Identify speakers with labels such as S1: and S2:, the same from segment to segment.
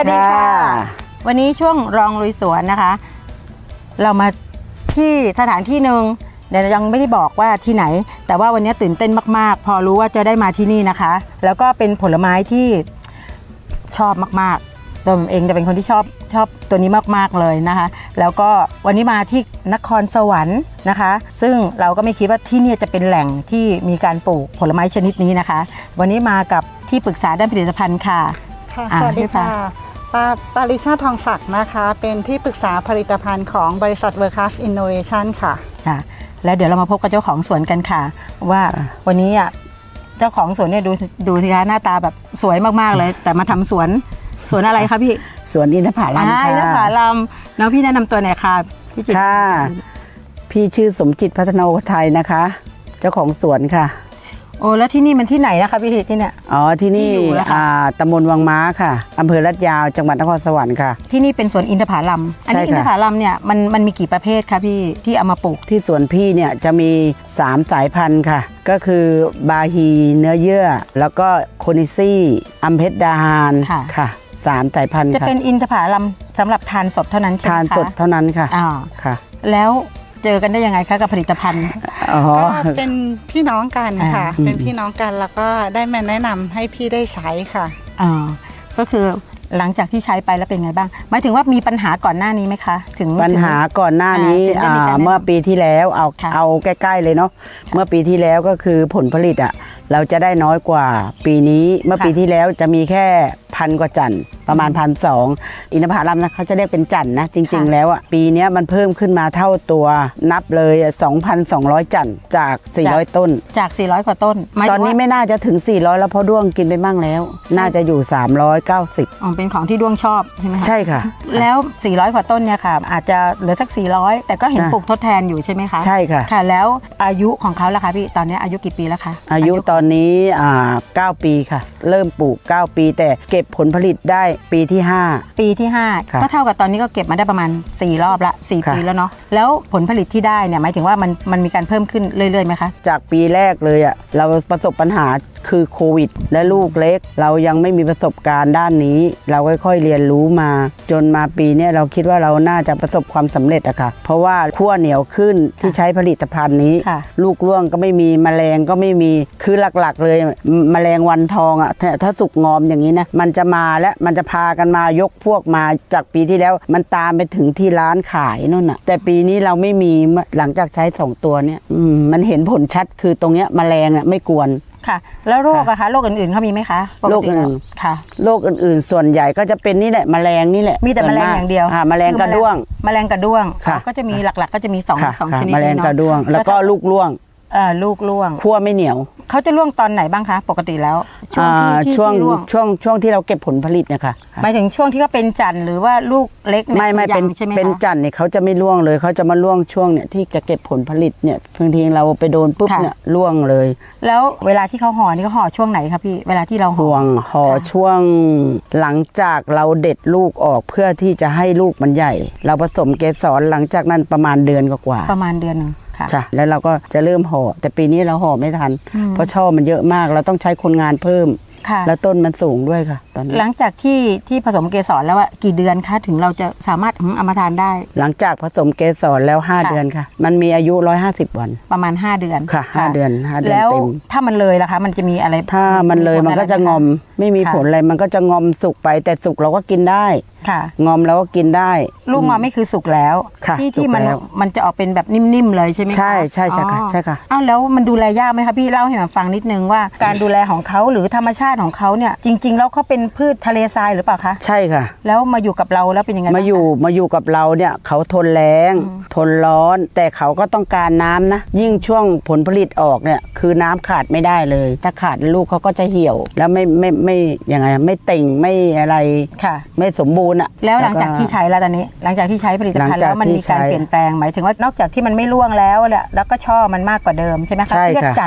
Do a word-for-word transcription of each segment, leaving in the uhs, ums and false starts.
S1: สวัสดีค่ะวันนี้ช่วงรองลุยสวนนะคะเรามาที่สถานที่หนึ่งเดี๋ยวยังไม่ได้บอกว่าที่ไหนแต่ว่าวันนี้ตื่นเต้นมากๆพอรู้ว่าจะได้มาที่นี่นะคะแล้วก็เป็นผลไม้ที่ชอบมากๆตัวผมเองจะเป็นคนที่ชอบชอบตัวนี้มากๆเลยนะคะแล้วก็วันนี้มาที่นครสวรรค์นะคะซึ่งเราก็ไม่คิดว่าที่นี่จะเป็นแหล่งที่มีการปลูกผลไม้ชนิดนี้นะคะวันนี้มากับที่ปรึกษาด้านผลิตภัณฑ์ค่ะ
S2: ค่ะสวัสดีค่ะปาปาริชาทองศักดิ์นะคะเป็นที่ปรึกษาผลิตภัณฑ์ของบริษัท World-Class Innovation ค่ะ
S1: ค่ะแล้วเดี๋ยวเรามาพบกับเจ้าของสวนกันค่ะว่าวันนี้อ่ะเจ้าของสวนเนี่ยดูดูสิคะหน้าตาแบบสวยมากๆเลยแต่มาทำสวนสวนอะไรคะพี่
S3: สวนอินทผลัมค่ะ
S1: อินทผลัมแล้วพี่แนะนำตัวหน่อยค่ะพี่จิต
S3: ค่ะพี่ชื่อสมจิตพัฒนาไทยนะคะเจ้าของสวนค่ะ
S1: โอ้แล้วที่นี่มันที่ไหนนะคะพี่ที่เนี่ย
S3: อ๋อที่นี่อ่าตำบลวังม้าค่ะอำเภอลาดยาวจังหวัดนครสวรรค์ค่ะ
S1: ที่นี่เป็นสวนอินทผลัมอันนี้อินทผลัมเนี่ยมันมันมีกี่ประเภทคะพี่ที่เอามาปลูก
S3: ที่สวนพี่เนี่ยจะมีสามสายพันธุ์ค่ะก็คือบาฮีเนื้อเยื่อแล้วก็โคนิซี่อัมเพชรดาฮานค่ะสามสายพันธุ์
S1: จะเป็นอินทผลัมสำหรับทานสดเท่านั้นใช่ไหมคะ
S3: ทานสดเท่านั้นค่ะ
S1: อ๋อ
S3: ค่ะ
S1: แล้วเจอกันได้ยังไงคะกับผลิตภัณฑ์
S2: ก็เป็นพี่น้องกันค่ะเป็นพี่น้องกันแล้วก็ได้มาแนะนำให้พี่ได้ใช้ค่ะ
S1: อ๋อก็คือหลังจากที่ใช้ไปแล้วเป็นไงบ้างหมายถึงว่ามีปัญหาก่อนหน้านี้ไหมคะถึง
S3: ปัญหาก่อนหน้านี้เมื่อปีที่แล้วเอาเอาใกล้ๆเลยเนาะเมื่อปีที่แล้วก็คือผลผลิตอ่ะเราจะได้น้อยกว่าปีนี้เมื่อปีที่แล้วจะมีแค่พันกว่าจันประมาณพันสองอินทผลัมนะเขาจะเรียกเป็นจันนะจริงๆแล้วอ่ะปีนี้มันเพิ่มขึ้นมาเท่าตัวนับเลย สองพันสองร้อย จันจากสี่ร้อยต้น
S1: จากสี่ร้อยกว่าต้น
S3: ตอนนี้ไม่น่าจะถึงสี่ร้อยแล้วเพราะด้วงกินไปมั่งแล้วน่าจะอยู่สามร้อยเก้าสิบ
S1: อ๋อเป็นของที่ด้วงชอบใช่ไหม
S3: ใช่ค่ะ
S1: แล้วสี่ร้อยกว่าต้นเนี่ยค่ะอาจจะเหลือสักสี่ร้อยแต่ก็เห็นปลูกทดแทนอยู่ใช่ไหมคะ
S3: ใช่ค่ะ
S1: ค่ะแล้วอายุของเขาล่ะคะพี่ตอนนี้อายุกี่ปีแล้วคะ
S3: อายุตอนนี้อ่าเก้าปีค่ะเริ่มปลูกเก้าปีแต่เก็บผลผลิตได้ปีที่ห้า
S1: ปีที่ห้าก็เท่ากับตอนนี้ก็เก็บมาได้ประมาณสี่รอบละสี่ปีแล้วเนาะแล้วผลผลิตที่ได้เนี่ยหมายถึงว่ามันมันมีการเพิ่มขึ้นเรื่อยๆไหมคะ
S3: จากปีแรกเลยอ่ะเราประสบปัญหาคือโควิดและลูกเล็กเรายังไม่มีประสบการณ์ด้านนี้เราค่อยๆเรียนรู้มาจนมาปีนี้เราคิดว่าเราน่าจะประสบความสำเร็จอะค่ะเพราะว่าขั้วเหนียวขึ้นที่ใช้ผลิตภัณฑ์นี้ลูกร่วงก็ไม่มีแมลงก็ไม่มีคือหลักๆเลยแมลงวันทองอะถ้าสุกงอมอย่างนี้นะมันจะมาและมันจะพากันมายกพวกมาจากปีที่แล้วมันตามไปถึงที่ร้านขายนู่นน่ะแต่ปีนี้เราไม่มีหลังจากใช้สองตัวเนี้ยมันเห็นผลชัดคือตรงเนี้ยแมลงอะไม่กวน
S1: ค่ะแล้วโรคอะคะโรคอื่นๆเขามีไหมคะ
S3: โรคอื่น
S1: ค่ะ
S3: โรคอื่นๆส่วนใหญ่ก็จะเป็นนี่แหละแมลงนี่แหละ
S1: มีแต่แมลงอย่างเดียว
S3: ค่ะแมลงกระด้วง
S1: แมลงกระด้วงก็จะมีหลักๆก็จะมีสองสองชนิด
S3: แมลงกระด้วงแล้วก็ลูกร่วง
S1: อ่าลูกร่วง
S3: คั่วไม่เหนียว
S1: เขาจะร่วงตอนไหนบ้างคะปกติแล้ว
S3: ช่วงช่วงช่วงช่วงที่เราเก็บผลผลิตนะคะ
S1: หมายถึงช่วงที่เขาเป็นจันทร์หรือว่าลูกเล็ก
S3: ไม่ไม่เป็นเป็นจันทร์เนี่ยเขาจะไม่ร่วงเลยเขาจะมาร่วงช่วงเนี่ยที่จะเก็บผลผลิตเนี่ยบางทีเราไปโดนปุ๊บเนี่ยร่วงเลย
S1: แล้วเวลาที่เขาห่อนี่เขาห่อช่วงไหนครับพี่เวลาที่เรา
S3: ห่วงห่อช่วงหลังจากเราเด็ดลูกออกเพื่อที่จะให้ลูกมันใหญ่เราผสมเกสรหลังจากนั้นประมาณเดือนกว่า
S1: ประมาณเดือนนึง
S3: ค่ะแล้วเราก็จะเริ่มห่อแต่ปีนี้เราห่อไม่ทันเพราะช่อมันเยอะมากเราต้องใช้คนงานเพิ่มแล้วต้นมันสูงด้วยค่ะตอนนี้
S1: หลังจากที่ที่ผสมเกสรแล้วอะกี่เดือนคะถึงเราจะสามารถเอามาทานได้
S3: หลังจากผสมเกสรแล้วห้าเดือนค่ะมันมีอายุหนึ่งร้อยห้าสิบวัน
S1: ประมาณห้าเดือน
S3: ค่ะห้าเดือนห้าเดือนเต็ม
S1: ถ้ามันเลยล่ะคะมันจะมีอะไร
S3: ถ้ามันเลยมันก็จะงอมไม่มีผลอะไรมันก็จะงอมสุกไปแต่สุกเราก็กินได้งอมแล้วก็กินได้
S1: ลูกงอมไม่คือสุกแล้วที่ที่มันมันจะออกเป็นแบบนิ่มๆเลยใช่ไหม
S3: ใช่ใช่ใช่ค่ะใช่ค่ะ
S1: อ้าวแล้วมันดูแลยากไหมคะพี่เล่าให้ฟังนิดนึงว่าการดูแลของเขาหรือธรรมชาติของเขาเนี่ยจริงๆแล้วเขาเป็นพืชทะเลทรายหรือเปล่าคะ
S3: ใช่ค่ะ
S1: แล้วมาอยู่กับเราแล้วเป็นยังไง
S3: มาอยู่มาอยู่กับเราเนี่ยเขาทนแรงทนร้อนแต่เขาก็ต้องการน้ำนะยิ่งช่วงผลผลิตออกเนี่ยคือน้ำขาดไม่ได้เลยถ้าขาดลูกเขาก็จะเหี่ยวแล้วไม่ไม่ไม่ยังไงไม่เต่งไม่อะไร
S1: ค่ะ
S3: ไม่สมบูรณ์อ่ะ
S1: แล้วหลังจากที่ใช้แล้วตอนนี้หลังจากที่ใช้ผลิตภัณฑ์แล้วมันมีการเปลี่ยนแปลงหมายถึงว่านอกจากที่มันไม่ร่วงแล้วแหละแล้วก็ช่อมันมากกว่าเดิมใช่ไหมคะที่เรียกจัน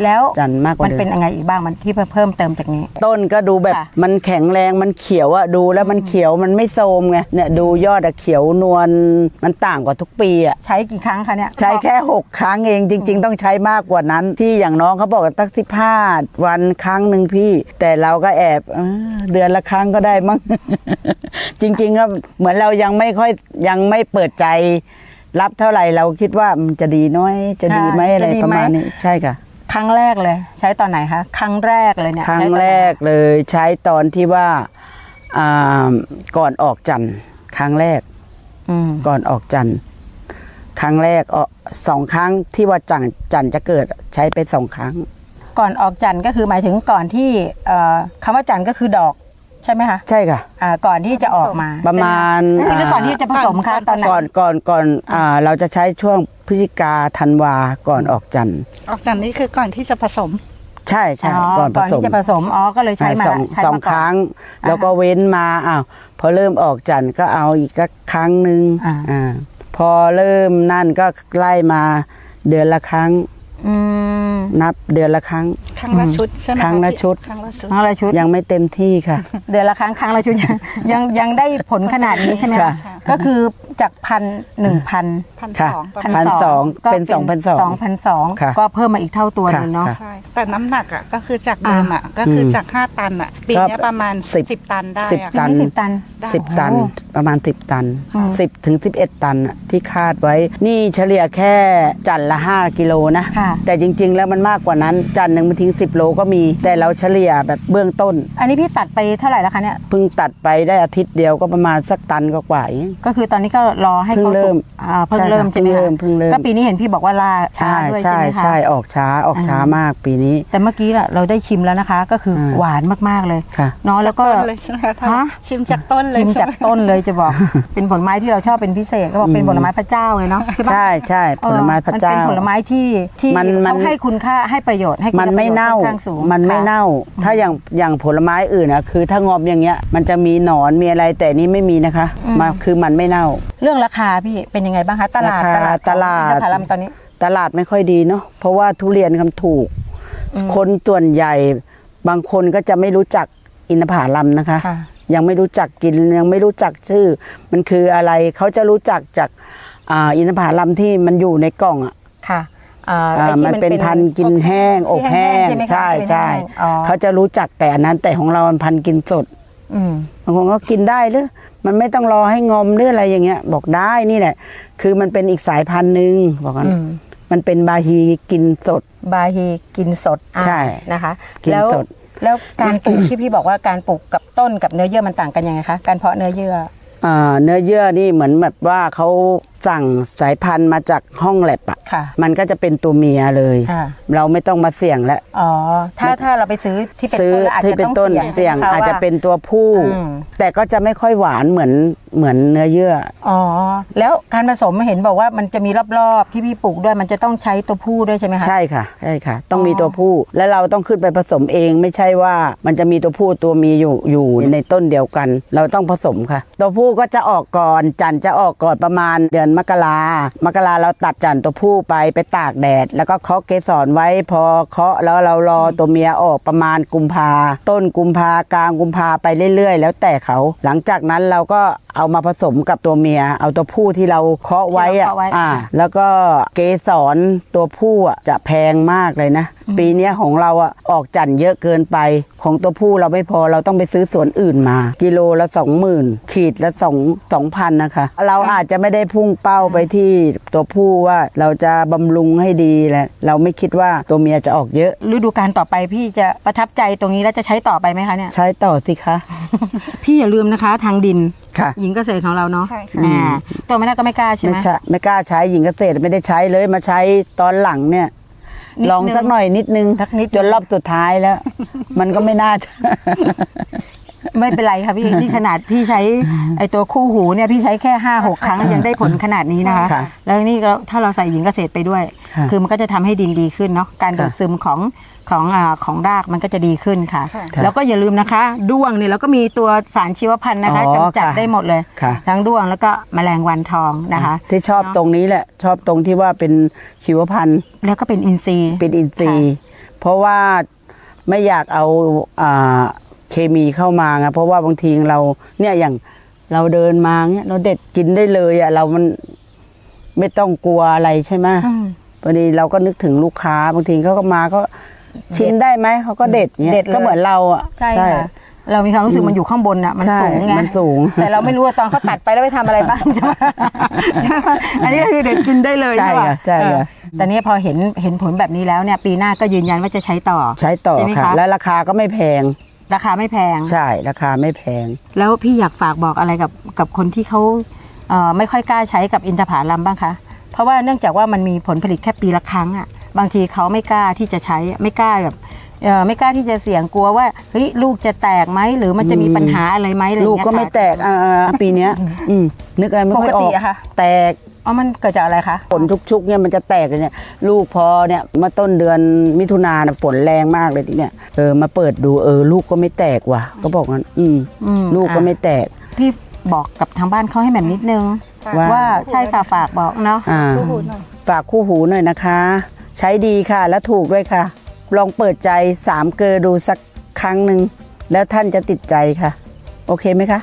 S1: แล้ว
S3: จันทร์มากกว่า
S1: มัน
S3: เดิ
S1: เป็น
S3: ม
S1: ยังไงอีกบ้างมันที่เพิ่มเติมจากนี้
S3: ต้นก็ดูแบบ
S1: ค่ะ
S3: มันแข็งแรงมันเขียวอะดูแล้วมันเขียวมันไม่โทรมไงเนี่ยดูยอดอะเขียวนวลมันต่างกว่าทุกปีอะ
S1: ใช้กี่ครั้งคะเนี่ย
S3: ใช้แค่หกครั้งเองจริง ๆ ต้องใช้มากกว่านั้น ที่อย่างน้องเขาบอกว่าตั้งสิบห้าวันครั้งหนึ่งพี่ แต่เราก็แอบเออเดือนละครั้งก็ได้มั้ง จริงๆก็เหมือนเรายังไม่ค่อยยังไม่เปิดใจ รับเท่าไหร่เราคิดว่ามันจะดีน้อยจะดีไหมอะไรประมาณนี้ใช่ค่ะ
S1: ครั้งแรกเลย ใช้ตอนไหนคะครั้งแรกเลยเนี่ย
S3: ครั้ง
S1: ใช้ตอนไหน
S3: แรกเลยใช้ตอนที่ว่าอ่าก่อนออกจันทร์ครั้งแรก
S1: อืม
S3: ก่อนออกจันทร์ครั้งแรกเออสองครั้งที่ว่าจันทร์จันทร์จะเกิดใช้ไปสองครั้ง
S1: ก่อนออกจันทร์ก็คือหมายถึงก่อนที่เอ่อคำว่าจันทร์ก็คือดอกใช่ไหมคะ
S3: ใช่ค่ะ
S1: อ่าก่อนที่จะออกมา
S3: ประมาณ
S1: ใช่ไหมหรือก่อนที่จะผสมคะตอนไหน
S3: ก่อนก่อนก่อนอ่าเราจะใช้ช่วงพฤศจิกาธันวาก่อนออกจันทร์
S2: ออกจากนี้คือก่อนที่จะผสม
S3: ใช่ใช่ก่อนผ
S1: ก่อน
S3: สม
S1: ที่จะผสมอ๋อก็เลยใช้มา
S3: สอง
S1: ใช้
S3: สอง
S1: มาก่น
S3: ครั้ง
S1: อ่า
S3: แล้วก็เว้นมาอ้าวพอเริ่มออกจันทร์ก็เอาอีกสักครั้งหนึ่ง
S1: อ่า
S3: อ่าพอเริ่มนั่นก็ไล่มาเดือนละครั้ง
S1: อืม
S3: นับเดือนละครั้ง
S2: ครั้งละชุดใช่ไหม
S3: ครั้งละชุด
S2: ครั้งละชุด
S1: ครั้งละชุด
S3: ยังไม่เต็มที่ค่ะ
S1: เดือนละครั้งครั้งละชุด ยังยังยังได้ผลขนาดนี้ใช่ไหม
S3: ค่ะ
S1: คะก็คือจากพันหนึ่งพัน
S2: พัน
S3: ค่ะ
S2: สองประ
S3: พั
S2: มาณ
S3: นสองเป็นสองพันสอง
S1: สองพันสอง
S3: ค่ะ
S1: ก็เพิ่มมาอีกเท่าตัวหนึงเนาะ
S3: ค่ะ
S2: ใช่แต่น้ำหนักอ่ะก็คือจากเดิมอ่ะก็คือจากห้าตันอ่ะปีเนี้ยประมาณ
S3: สิบ
S2: สิบตันได้
S3: สิบ
S2: อะ
S3: ตัน
S1: สิบตัน
S3: สิบตัน
S1: โอ้
S3: ประมาณสิบตัน
S1: อืม
S3: สิบถึงสิบเอ็ดตันน่ะที่คาดไว้ นี่เฉลี่ยแค่จันทร์ละห้ากิโลนะ
S1: ค่ะ
S3: แต่จริง ๆ แล้วมันมากกว่านั้นจันทร์หนึ่งบางทีสิบโลก็มี แต่เราเฉลี่ยแบบเบื้องต้น
S1: อันนี้พี่ตัดไปเท่าไหร่แล้วคะเนี่ย
S3: เพิ่งตัดไปได้อาทิตย์เดียวก็ประมาณสักตันก็กว่าๆเอง
S1: ก็คือตอนนี้ก็รอให้
S3: เพิ่ง
S1: เขา
S3: เริ่
S1: สุ
S3: ม
S1: กอ่าเพิ่ง
S3: ใช่
S1: เริ่ม
S3: ค่ะ
S1: ใช่ไหม
S3: เพิ่งเริ่
S1: คะ
S3: มเพิ่งเริ่ม
S1: ก็ปีนี้เห็นพี่บอกว่าล่าช้า
S3: ใช่
S1: ด้วย
S3: ใช่
S1: ใช่ไหมคะ
S3: ใช่ออกช้าออกช้ามากปีนี้
S1: แต่เมื่อกี้น่ะเราได้ชิมแล้วนะคะ ก็คือ
S3: อ่า
S1: หวานมากๆเลย
S3: ค่ะ
S1: เนาะแล้วก็
S2: ต้นเลยใช่ไหมคะ
S1: ฮะ
S2: ชิมจากต้นเลย
S1: ชิมจาก
S2: ใช่ไห
S1: ต้นเลยจะบอก เป็นผลไม้ที่เราชอบเป็นพิเศษก็บอกเป็นผลไม้พระเจ้าเลยเนาะใช่ปะ
S3: ใช่ใช่ผลไม้พระเจ้า
S1: ออมันเป็นผลไม้ที่ที่
S3: มันมัน
S1: เขาให้คุณค่าให้ประโยชน์ให้คุณ
S3: มันไม่
S1: ประโยช
S3: เน่า
S1: ค่อข้างสูง
S3: มันไม่
S1: ค่ะ
S3: เน่า ถ้าอย่างอย่างผลไม้อื่นนะคือถ้างอมอย่างเงี้ย มันจะมีหนอนมีอะไรแต่นี้ไม่มีนะคะมาคือมันไม่เน่า
S1: เรื่องราคาพี่เป็นยังไงบ้างคะตลาด
S3: ราคา
S1: ตลาดของ
S3: ตลาด
S1: อินทผลัมตอนนี้
S3: ตลาดไม่ค่อยดีเนาะเพราะว่าทุเรียนคำถูก คนส่วนใหญ่บางคนก็จะไม่รู้จักอินทผลัมนะคะ
S1: ค่ะ
S3: ยังไม่รู้จักกินยังไม่รู้จักชื่อ มันคืออะไรเขาจะรู้จักจากอ่าอินทผลัมที่มันอยู่ในกล่องอ่ะ
S1: ค่ะอ่า
S3: อ่า
S1: ไอ้ที่
S3: มันเป็นพันธุ์กินแห้งอบแห้ง
S1: ที่ไหมคะ
S3: ใช่
S1: เป็น
S3: ใช่
S1: แห้งอ๋อ
S3: เขาจะรู้จักแต่อันนั้นแต่ของเรามันพันธุ์กินสด
S1: อืม
S3: บางคนก็กินได้หรือมันไม่ต้องรอให้งอมหรืออะไรอย่างเงี้ย บอกได้นี่แหละ คือมันเป็นอีกสายพันธุ์หนึ่งบอกกัน
S1: อืม
S3: มันเป็นบาฮีกินสด
S1: บาฮีกินสดอ่า
S3: ใช่
S1: นะคะ
S3: กิน
S1: แล้ว
S3: สด
S1: แล้วการปลูก ที่พี่บอกว่าการปลูกกับต้นกับเนื้อเยื่อมันต่างกันยังไงคะการเพาะเนื้อเยื่อ
S3: อ่าเนื้อเยื่อนี่เหมือนแบบว่าเขาสั่งสายพันธุ์มาจากห้องแลบอะ
S1: ค่ะ
S3: มันก็จะเป็นตัวเมียเลย
S1: อ่า
S3: เราไม่ต้องมาเสี่ยงแล้ว
S1: อ๋อถ้าถ้าเราไปซื้อที่เป็น
S3: ซื้อ
S1: ต้นแล้วอาจ
S3: ที่
S1: จะ
S3: เป็น
S1: ต้อง
S3: ต้น
S1: เสี่
S3: เสี่
S1: ย
S3: ย
S1: ง
S3: ง
S1: ใช่ไหมคะ
S3: อาจจะ
S1: ว่า
S3: เป็นตัวผู้
S1: อืม
S3: แต่ก็จะไม่ค่อยหวานเหมือนเหมือนเนื้อเยื่อ
S1: อ๋อแล้วการผสมเห็นบอกว่ามันจะมีรอบๆที่พี่ปลูกด้วยมันจะต้องใช้ตัวผู้ด้วยใช่ไหมคะ
S3: ใช่ค่ะใช่ค่ะ ต้อง
S1: อ๋อ
S3: มีตัวผู้ และเราต้องขึ้นไปผสมเอง ไม่ใช่ว่ามันจะมีตัวผู้ตัวเมียอยู่อยู่ในต้นเดียวกัน เราต้องผสมค่ะ ตัวผู้ก็จะออกก่อนจันทร์จะออกก่อนประมาณเดือนมกรามกราเราตัดจันทร์ตัวผู้ไปไปตากแดด แล้วก็เคาะเกสรไว้พอเคาะแล้วเรารอตัวเมียออกประมาณกุมภาต้นกุมภากลางกุมภาไปเรื่อยๆ แล้วแต่เขา หลังจากนั้นเราก็เอามาผสมกับตัวเมีย เอาตัวผู้ที่เราเคาะไว้อะ
S1: ที่เราเคาะไว้
S3: อ่า แล้วก็เกสรตัวผู้อ่ะจะแพงมากเลยนะ ปีเนี้ยของเราอ่ะออกจันทร์เยอะเกินไป ของตัวผู้เราไม่พอเราต้องไปซื้อสวนอื่นมา กิโลละสองหมื่นขีดละสองสองพันนะคะ เราอาจจะไม่ได้พุ่งเป้าไปที่ตัวผู้ว่าเราจะบำรุงให้ดีแหละเราไม่คิดว่าตัวเมียจะออกเยอะ
S1: ฤดูกาลต่อไปพี่จะประทับใจตรงนี้แล้วจะใช้ต่อไปไหมคะเนี่ย
S3: ใช้ต่อสิคะ
S1: พี่อย่าลืมนะคะ ทางดิน
S3: ค่ะ
S1: หญิงเกษตรของเราเนาะ
S2: ใช่ค่ะ
S1: อ่าตัวไม่น่าก็ไม่กล้าใช่ไห
S3: ไม่
S1: ม
S3: ใช่ไม่กล้าใช้หญิงเกษตรไม่ได้ใช้เลยมาใช้ตอนหลังเนี่ย
S1: นิดนึง
S3: ลองสักหน่อยนิดนึง
S1: สักนิด
S3: จนรอบสุดท้ายแล้ว มันก็ไม่น่าจะ
S1: ไม่เป็นไรค่ะพี่ นี่ขนาดพี่ใช้ไอตัวคู่หูเนี่ยพี่ใช้แค่ห้าหกครั้งยังได้ผลขนาดนี้นะคะ
S3: ค่ะ
S1: แล้วนี่ก็ถ้าเราใส่หญิงเกษตรไปด้วย
S3: ค่ะ
S1: คือมันก็จะทำให้ดินดีขึ้นเนาะการดูด
S3: ค่ะ
S1: ซึมของของอ่าของรากมันก็จะดีขึ้นค่ะ
S2: ค่ะ
S1: แล้วก็อย่าลืมนะคะด้วงเนี่ยเราก็มีตัวสารชีวพันธุ์นะคะ
S3: อ๋อก
S1: ำจัด
S3: ค่ะ
S1: ได้หมดเลย
S3: ค่ะ
S1: ทั้งด้วงแล้วก็แมลงวันทองนะคะ
S3: ที่ชอบตรงนี้แหละ ชอบตรงที่ว่าเป็นชีวพันธุ์
S1: แล้วก็เป็นอินทรีย์
S3: เป็นอินทรีย์เพราะว่าไม่อยากเอาอ่าเคมีเข้ามาไงเพราะว่าบางทีเราเนี่ยอย่างเราเดินมาเนี่ยเราเด็ดกินได้เลยอ่ะเรามันไม่ต้องกลัวอะไรใช่ไหม
S1: อืม
S3: พอดีเราก็นึกถึงลูกค้าบางทีเขาก็มาก็ชิมได้ไหมเขาก็เด็ดเนี่ย
S1: เด็ดเลย
S3: ก็เหมือนเราอ่ะ
S1: ใช่ค่ะเรามีความรู้สึกมันอยู่ข้างบนอ่ะมัน
S3: ใช่
S1: สูงไง
S3: มันสูง
S1: แต่เราไม่รู้ว่าตอนเขาตัดไปแล้วไปทำอะไรบ้างใช่ไหมใช่ไหมอันนี้ก็คือเด็ดกินได้เลย
S3: ใช่
S1: ใช่ป่ะ
S3: ค่ะใช่ค่ะ
S1: เออแต่นี้พอเห็นเห็นผลแบบนี้แล้วเนี่ยปีหน้าก็ยืนยันว่าจะใช้ต่อ
S3: ใช้ต่อ
S1: ใช่ไหม
S3: ค่ะ
S1: คะ
S3: และราคาก็ไม่แพง
S1: ราคาไม่แพง
S3: ใช่ราคาไม่แพง
S1: แล้วพี่อยากฝากบอกอะไรกับกับคนที่เขาเอ่อไม่ค่อยกล้าใช้กับอินทผลัมบ้างคะเพราะว่าเนื่องจากว่ามันมีผลผลิตแค่ปีละครั้งอ่ะบางทีเขาไม่กล้าที่จะใช้ไม่กล้าแบบเอ่อไม่กล้าที่จะเสี่ยงกลัวว่าเฮ้ยลูกจะแตกไหมหรือมันจะมีปัญหาอะไรไหมอะไรอย่าง
S3: ลูก
S1: เงี้ย
S3: ก็ไม่
S1: ค่ะ
S3: แตกอ่าปีเนี้ยอืมนึกอะไรไม่ค่อยอ
S1: ปกติ
S3: อก
S1: อะค่ะ
S3: แตก
S1: อ๋อมันเกิดจากอะไรคะ
S3: ฝนชุกๆเนี่ยมันจะแตกเลยเนี่ยลูกพอเนี่ยมาต้นเดือนมิถุนาน่ะฝนแรงมากเลยทีเนี่ยเออมาเปิดดูเออลูกก็ไม่แตกว่ะก็บอกงั้นอืม
S1: อืม
S3: ลูกก็ไม่แตก
S1: พี่บอกกับทางบ้านเขาให้แบบนิดนึง
S3: ว่า
S1: ว่าใช่ค่ะฝากบอกเนาะ
S3: อ่า
S2: คู่หูหน่อย
S3: ฝากคู่หูหน่อยนะคะ ใช้ดีค่ะและถูกด้วยค่ะ ลองเปิดใจสามเกลอดูสักครั้งหนึ่งแล้วท่านจะติดใจค่ะ โอเคไหมคะ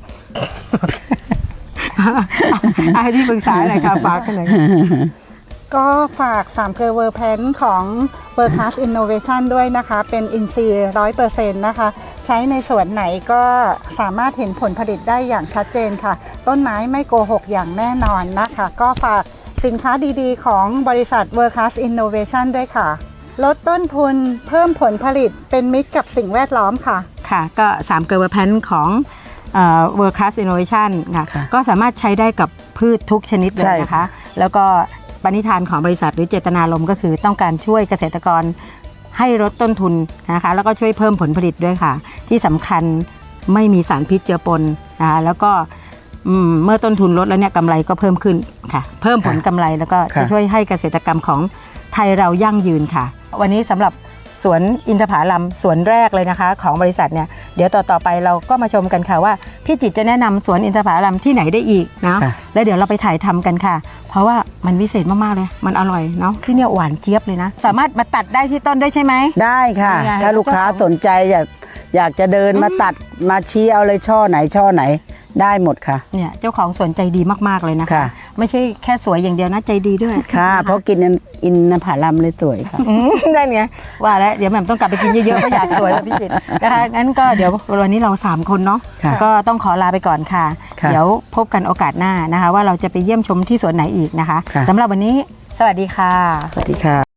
S1: ให้ที่ปรึกษาหน่อยค่ะฝากกันหน่อย
S2: ก็ฝากสามเกลอเวอร์แพนของ w o r k c l a s s Innovation ด้วยนะคะ เป็นอินทรีย์ร้อยเปอร์เซ็นต์นะคะ ใช้ในสวนไหนก็สามารถเห็นผลผลิตได้อย่างชัดเจนค่ะ ต้นไม้ไม่โกหกอย่างแน่นอนนะคะ ก็ฝากสินค้าดีๆ ของบริษัท w o r k c l a s s Innovation ด้วยค่ะ ลดต้นทุนเพิ่มผลผลิตเป็นมิตรกับสิ่งแวดล้อมค่ะ
S1: ค่ะก็สามเกลือแพนของเอ่อ World Class Innovation ค่ะ
S3: ค่ะ
S1: ก็สามารถใช้ได้กับพืชทุกชนิดเล
S3: ใช่
S1: ยนะคะ แล้วก็ปณิธานของบริษัทหรือเจตนารมณ์ก็คือต้องการช่วยเกษตรกรให้ลดต้นทุนนะคะแล้วก็ช่วยเพิ่มผลผลิตด้วยค่ะ ที่สำคัญไม่มีสารพิษเจือปนนะคะแล้วก็อืมเมื่อต้นทุนลดแล้วเนี่ยกำไรก็เพิ่มขึ้นค่ะ เพิ่มผลกำไรแล้วก็จะช่วยให้เกษตรกรรมของไทยเรายั่งยืนค่ะ วันนี้สำหรับสวนอินทผลัมสวนแรกเลยนะคะของบริษัทเนี่ยเดี๋ยวต่อต่อไปเราก็มาชมกันค่ะว่าพี่จิตรจะแนะนำสวนอินทผลัมที่ไหนได้อีกเนาะ
S3: ค่ะ
S1: แล้วเดี๋ยวเราไปถ่ายทำกันค่ะ เพราะว่ามันวิเศษมากๆเลยมันอร่อยเนาะที่เนี่ยหวานเจี๊ยบเลยนะ สามารถมาตัดได้ที่ต้นได้ใช่ไหม
S3: ได้ค่ะ
S1: ยังไง
S3: ถ้าลูกค้าสนใจอยากอยากจะเดินมาตัดมาชี้เอาเลยช่อไหนช่อไหนได้หมดค่ะ
S1: เนี่ยเจ้าของสวนใจดีมากๆเลยนะคะ
S3: ค่ะ
S1: ไม่ใช่แค่สวยอย่างเดียวนะใจดีด้วย
S3: ค่ะ เพราะกินอินทผลัมเลยสวยค่ะ
S1: อืมได้ไงว่าแล้วเดี๋ยวแหม่มต้องกลับไปกินเยอะๆเพราะอยากสวยแบบพี่จิตรนะคะงั้นก็เดี๋ยววันนี้เราสามคนเนาะ
S3: ค่ะ
S1: ก็ต้องขอลาไปก่อนค่ะ
S3: ค่ะ
S1: เดี๋ยวพบกันโอกาสหน้านะคะ ว่าเราจะไปเยี่ยมชมที่สวนไหนอีกนะคะ
S3: ค่ะ
S1: สำหรับวันนี้สวัสดีค่ะ
S3: สวัสดีค่ะ